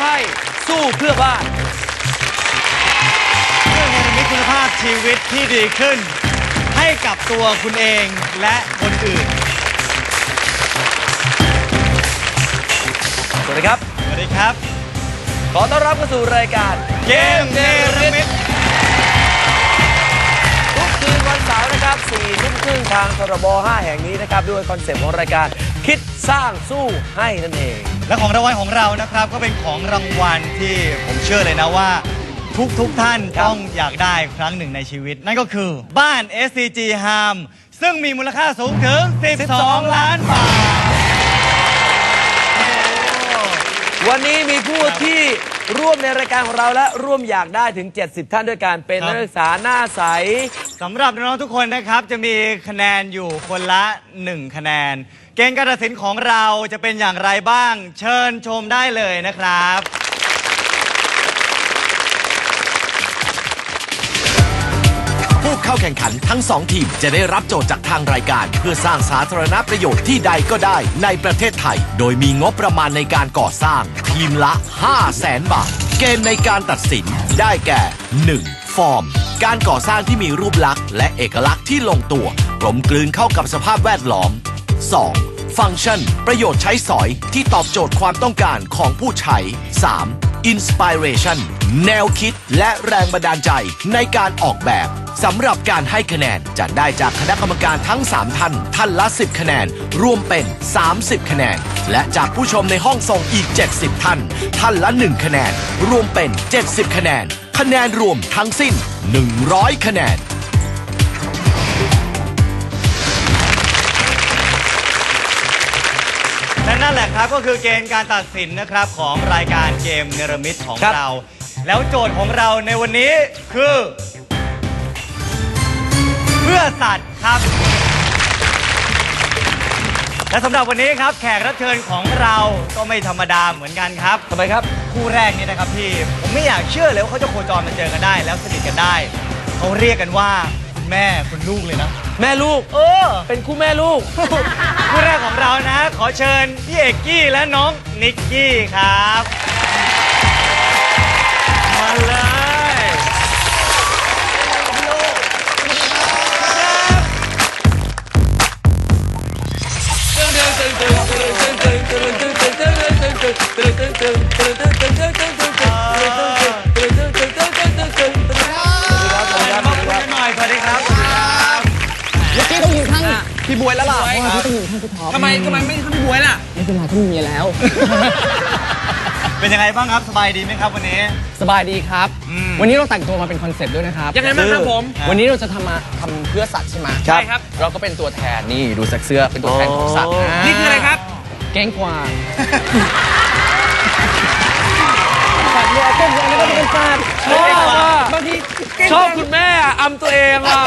ให้สู้เพื่อบ้านเพื่อเนรมิตคุณภาพชีวิตที่ดีขึ้นให้กับตัวคุณเองและคนอื่นสวัสดีครับสวัสดีครับขอต้อนรับเข้าสู่รายการเกมเนรมิตทุกคืนวันเสาร์นะครับ 4 ทุ่มครึ่งทางทรบ 5 แห่งนี้นะครับด้วยคอนเซปต์ของรายการคิดสร้างสู้ให้นั่นเองและของรางวัลของเรานะครับก็เป็นของรางวัลที่ผมเชื่อเลยนะว่าทุกท่านต้องอยากได้ครั้งหนึ่งในชีวิตนั่นก็คือบ้าน SCG Harm ซึ่งมีมูลค่าสูงถึง 12 ล้านบาทวันนี้มีผู้ที่ร่วมในรายการของเราและร่วมอยากได้ถึง 70 ท่านด้วยกันเป็นนักศึกษาหน้าใสสำหรับน้องๆทุกคนนะครับจะมีคะแนนอยู่คนละ1คะแนนเกณฑ์การตัดสินของเราจะเป็นอย่างไรบ้างเชิญชมได้เลยนะครับผู้เข้าแข่งขันทั้ง2ทีมจะได้รับโจทย์จากทางรายการเพื่อสร้างสาธารณประโยชน์ที่ใดก็ได้ในประเทศไทยโดยมีงบประมาณในการก่อสร้างทีมละ 500,000 บาทเกณฑ์ในการตัดสินได้แก่ 1. ฟอร์มการก่อสร้างที่มีรูปลักษณ์และเอกลักษณ์ที่ลงตัวกลมกลืนเข้ากับสภาพแวดล้อม 2. ฟังก์ชันประโยชน์ใช้สอยที่ตอบโจทย์ความต้องการของผู้ใช้ 3. Inspiration แนวคิดและแรงบันดาลใจในการออกแบบสำหรับการให้คะแนนจะได้จากคณะกรรมการทั้ง3ท่านท่านละ10คะแนนรวมเป็น30คะแนนและจากผู้ชมในห้องส่งอีก70ท่านท่านละ1คะแนนรวมเป็น70คะแนนคะแนนรวมทั้งสิ้น100คะแนนและนั่นแหละครับก็คือเกณฑ์การตัดสินนะครับของรายการเกมเนรมิตของเราแล้วโจทย์ของเราในวันนี้คือเพื่อสัตว์ครับและสำหรับวันนี้ครับแขกรับเชิญของเราก็ไม่ธรรมดาเหมือนกันครับทำไมครับคู่แรกนี่นะครับพี่ผมไม่อยากเชื่อเลยว่าเขาจะโคจรมาเจอกันได้แล้วสนิทกันได้เขาเรียกกันว่าคุณแม่คุณลูกเลยนะแม่ลูกเป็นคู่แม่ลูกคู่แรกของเรานะขอเชิญพี่เอกกี้และน้องนิกกี้ครับมาเลยพี่บวยแล้วล่ะพี่ต้องอยู่ข้างพี่ท็อปทำไมไม่ข้างพี่บวยล่ะไม่เป็นไรเขามีเมียแล้วเป็นยังไงบ้างครับสบายดีไหมครับวันนี้สบายดีครับวันนี้เราแต่งตัวมาเป็นคอนเซ็ปต์ด้วยนะครับยังไงบ้างครับผมวันนี้เราจะทำเพื่อสัตว์ใช่ไหมใช่ครับเราก็เป็นตัวแทนนี่ดูเสื้อเป็นตัวแทนของสัตว์นี่คืออะไรครับเก้งกวางสัตว์เนี่ยเก้งกวางนี่ก็เป็นสัตว์ชอบบางทีชอบคุณแม่อำตัวเองอ่ะ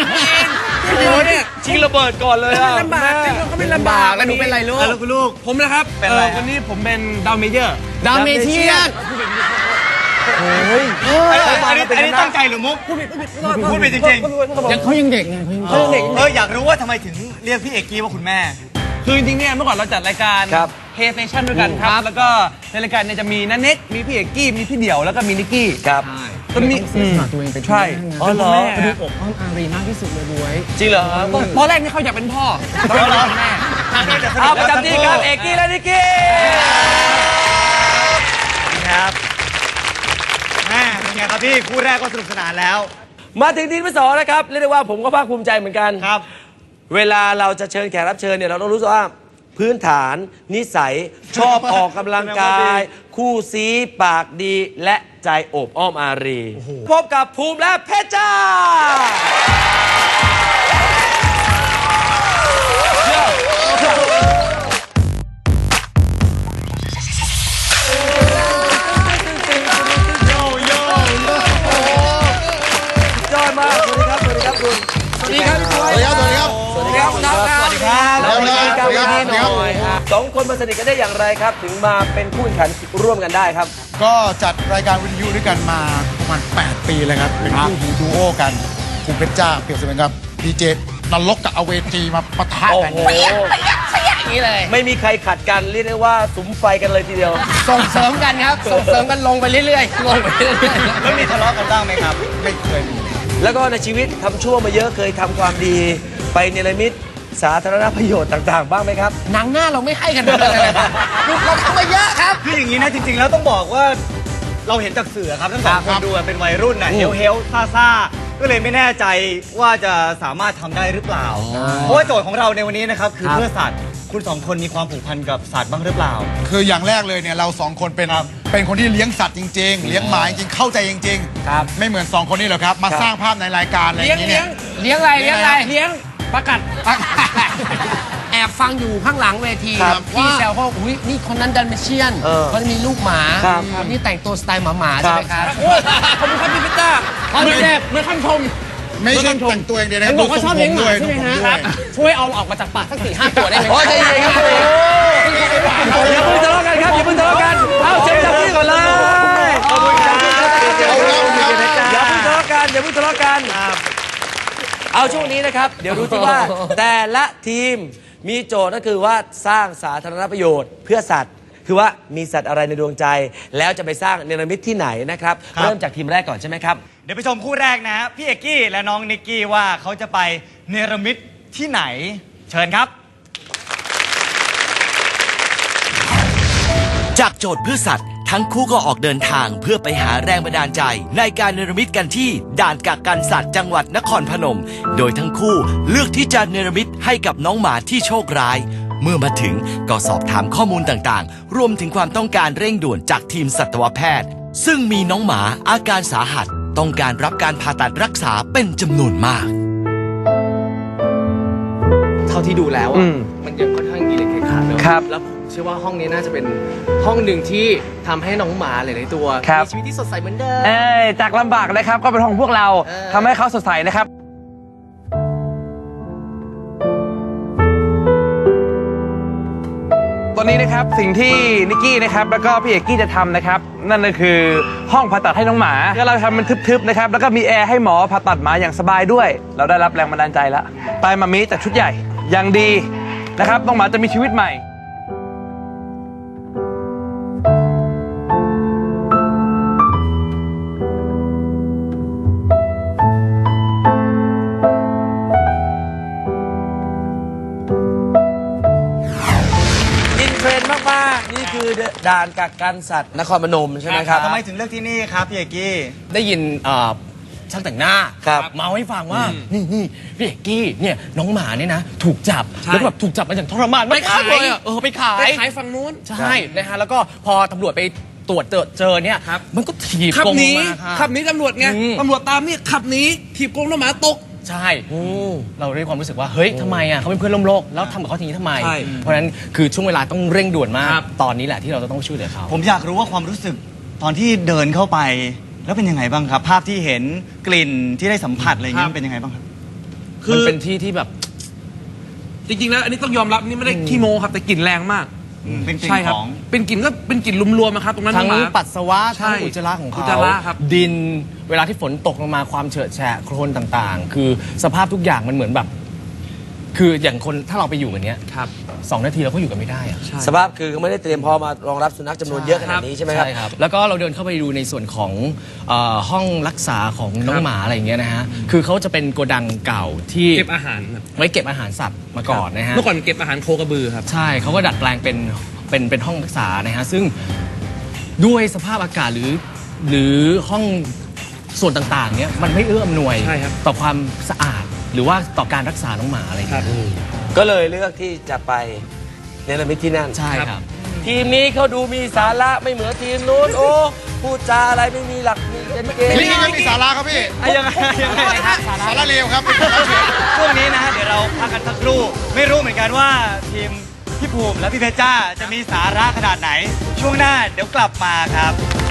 ชิงระเบิดก่อนเลยอ่ะลำบากก็ไม่ลำบากแล้วหนูเป็นไรลูกแล้วคุณลูกผมนะครับเป็นอะไรวันนี้ผมเป็นดาวเมเยอร์ดาวเมเทียนโอ้ยอันนี้ตั้งใจหรือมุกพูดผิดจริงๆเขายังเด็กไงเขายังเด็กอยากรู้ว่าทำไมถึงเรียกพี่เอกกี้ว่าคุณแม่คือจริงๆเนี่ยเมื่อก่อนเราจัดรายการเฮเฟชั่นด้วยกันครับแล้วก็ในรายการเนี่ยจะมีนันเน็กมีพี่เอกกี้มีพี่เดี่ยวแล้วก็มีนิกกี้ครับก็มีตัวเองเป็นใช่อ๋อเหรอดูอกอ้อมอารีมากที่สุดเลยบวยจริงเหรอตอนแรกนี่เขาอยากเป็นพ่อตอนแรกแม่เอาประจำที่ครับเอกกี้และนิกกี้ครับแม่เป็นไงครับพี่คู่แรกก็สนุกสนานแล้วมาถึงทีมที่2นะครับเรียกได้ว่าผมก็ภาคภูมิใจเหมือนกันครับเวลาเราจะเชิญแขกรับเชิญเนี่ยเราต้องรู้ว่าพื้นฐานนิสัยชอบออกกำลังกายคู่ซีปากดีและใจโอบอ้อมอารีพบกับภูมิและเพชรจ้าจอยมากสวัสดีครับสวัสดีครับคุณสวัสดีครับพี่บวยสวัสดีครับสวัสดีครับสวัสดีครับสวัสดีครับสองคนมาสนิทกันได้อย่างไรครับถึงมาเป็นคู่แข่งขันร่วมกันได้ครับก็จัดรายการวิทยุด้วยกันมาประมาณ8 ปีเลยครับเป็นคู่หูดูโอกันคุณเพชรจ้าเปรียบเสมือนกับดีเจนรกกับอเวจีมาปะทะโอ้กันโหอย่างนี้เลยไม่มีใครขัดกันเรียกได้ว่าสุมไฟกันเลยทีเดียวส่งเสริมกันครับ ส่งเสริมกันลงไปเรื่อยๆลงไปเรื่อยแล้วมีทะเลาะกันบ้างไหมครับไม่เคยมีแล้วก็ในชีวิตทำชั่วมาเยอะเคยทำความดีไปเนรมิตสาธารณประโยชน์ต่างๆ บ้างไหมครับๆหนังหน้าเราไม่ให้กันเลยนะครับเราทำมาเยอะครับคืออย่างนี้นะจริงๆแล้วต้องบอกว่าเราเห็นจากสื่อครับทั้งสองคนดูเป็นวัยรุ่นน่ะเฮลซ่าๆก็เลยไม่แน่ใจว่าจะสามารถทำได้หรือเปล่า เพราะว่าโจทย์ของเราในวันนี้นะครับคือเพื่อสัตว์คุณสองคนมีความผูกพันกับสัตว์บ้างหรือเปล่าคืออย่างแรกเลยเนี่ยเราสองคนเป็นคนที่เลี้ยงสัตว์จริง ๆ เลี้ยงหมาจริงๆเข้าใจจริงๆครับไม่เหมือนสองคนนี้หรอกครับ มาสร้างภาพในรายการอะไรอย่างนี้เนี่ยเลี้ยงอะไรเลี้ยงอะไรเลี้ยงประกัดแอบฟังอยู่ข้างหลังเวทีครับพี่แซวเขาอุ้ยนี่คนนั้นดันเมเชียน เขาจะมีลูกหมาครับคนนี้แต่งตัวสไตล์หมาๆใช่ไหมครับขอบคุณครับพี่พิต้าเหมือนเหมือนคำชมไม่ใช่แต่งตัวอย่างเดียวนะเห็นบอกว่าชอบเลี้ยงหมาใช่ไหมฮะดูทรงผมด้วยช่วยเอาออกมาจากปากสัก4-5 ตัวได้ไหมโอ้ยใจเย็นครับอย่าเพิ่งทะเลาะกันครับอย่าเพิ่งทะเลาะกันเอาเชิญจับที่ก่อนเลยขอบคุณครับอย่าเพิ่งทะเลาะกันอย่าเพิ่งทะเลาะกันเอาช่วงนี้นะครับ เดี๋ยวดูที่ว่าแต่ละทีมมีโจทย์ก็คือว่าสร้างสาธารณประโยชน์เพื่อสัตว์ คือว่ามีสัตว์อะไรในดวงใจ แล้วจะไปสร้างเนรมิตที่ไหนนะครับครับเริ่มจากทีมแรกก่อนใช่ไหมครับเดี๋ยวไปชมคู่แรกนะฮะพี่เอกกี้และน้องนิกกี้ว่าเขาจะไปเนรมิตที่ไหน เชิญครับจากโจทย์เพื่อสัตว์ ทั้งคู่ก็ออกเดินทางเพื่อไปหาแรงบันดาลใจ ในการเนรมิตกันที่ด่านกักกันสัตว์จังหวัดนครพนม โดยทั้งคู่เลือกที่จะเนรมิตให้กับน้องหมาที่โชคร้าย เมื่อมาถึงก็สอบถามข้อมูลต่างๆ รวมถึงความต้องการเร่งด่วนจากทีมสัตวแพทย์ ซึ่งมีน้องหมาอาการสาหัส ต้องการรับการผ่าตัดรักษาเป็นจำนวนมากเท่าที่ดูแล้วอ่ะมันยังค่อนข้างอิเล็กทริกขาดเนอะครับแล้วผมเชื่อว่าห้องนี้น่าจะเป็นห้องหนึ่งที่ทำให้น้องหมาหลายๆตัวครับมีชีวิตที่สดใสเหมือนเดิมจากลำบากนะครับก็เป็นของพวกเราเออทำให้เขาสดใสนะครับ ตอนนี้นะครับสิ่งที่นิกกี้นะครับแล้วก็พี่เอกกี้จะทำนะครับนั่นก็คือห้องผ่าตัดให้น้องหมาแล้วเราทำมันทึบๆนะครับแล้วก็มีแอร์ให้หมอผ่าตัดหมาอย่างสบายด้วย เราได้รับแรงบันดาลใจแล้วไปมามิจากชุดใหญ่อย่างดีนะครับน้องหมาจะมีชีวิตใหม่อินเทรนด์มากๆ นี่คือด่านกักกันสัตว์นครพนมใช่ไหมครับทำไมถึงเลือกที่นี่ครับพี่เอกกี้ได้ยินช่างแต่งหน้าครับเมาให้ฟังว่านี่พี่เอกกี้เนี่ยน้องหมาเนี่ยนะถูกจับแล้วก็แบบถูกจับมาอย่างทรมานไปขายไปขายฝั่งนู้นใช่นะฮะแล้วก็พอตำรวจไปตรวจเจอเนี่ยมันก็ถีบขับกรงหนีมาค่ะขับหนีตำรวจไง ตำรวจตามนี่ขับหนีถีบกรงน้องหมาตกใช่เราได้ความรู้สึกว่าเฮ้ยทำไมอ่ะเขาเป็นเพื่อนร่วมโลกแล้วทำกับเขาทีนี้ทำไมใช่เพราะฉะนั้นคือช่วงเวลาต้องเร่งด่วนมากครับตอนนี้แหละที่เราจะต้องช่วยเหลือเขาผมอยากรู้ว่าความรู้สึกตอนที่เดินเข้าไป แล้วเป็นยังไงบ้างครับ ภาพที่เห็นกลิ่นที่ได้สัมผัสอะไรอย่างนี้มันเป็นยังไงบ้างครับมันเป็นที่ที่แบบจริงๆแล้วอันนี้ต้องยอมรับนี่ไม่ได้ขี้โมครับแต่กลิ่นแรงมากเป็นกลิ่ใช่นครับของเป็นกลิ่นก็เป็นกลิ่นรวมๆนะครับตรงนั้นทั้งน้องหมาปัสสาวะใช่ทั้งอุจจาระของอุจเขาจาระครับดินเวลาที่ฝนตกลงมาความเฉอะแฉะโคลนต่างๆ คือสภาพทุกอย่างมันเหมือนแบบ คืออย่างคนถ้าเราไปอยู่กันเนี้ยครับ 2 นาทีเราก็อยู่กันไม่ได้อะสภาพคือไม่ได้เตรียมพอมารองรับสุนัขจำนวนเยอะขนาดนี้ใช่ไหมครับใช่ครับ แล้วก็เราเดินเข้าไปดูในส่วนของห้องรักษาของน้องหมาอะไรอย่างเงี้ยนะฮะคือเขาจะเป็นโกดังเก่าที่เก็บอาหารครับไว้เก็บอาหารสัตว์มาก่อนนะฮะเมื่อก่อนเก็บอาหารโคกระบือครับใช่เขาก็ดัดแปลงเป็นห้องรักษานะฮะซึ่งด้วยสภาพอากาศหรือห้องส่วนต่างๆเนี้ยมันไม่เอื้ออำนวยใช่ครับต่อความสะอาดหรือว่าต่อการรักษาน้องหมาอะไรอย่างเงี้ยก็เลยเลือกที่จะไปเนรมิตที่นั่นใช่ครับทีมนี้เขาดูมีสาระไม่เหมือนทีมนู้นโอ้พูดจาอะไรไม่มีหลักมีเกณฑ์เกณฑ์นี่ยังมีสาระครับพี่ยังไงครับสาระเลวครับเป็นสาระเลวช่วงนี้นะฮะเดี๋ยวเราพักกันสักครู่ ไม่รู้เหมือนกันว่าทีมพี่ภูมิและพี่เพชรจ้าจะมีสาระขนาดไหน ช่วงหน้าเดี๋ยวกลับมาครับ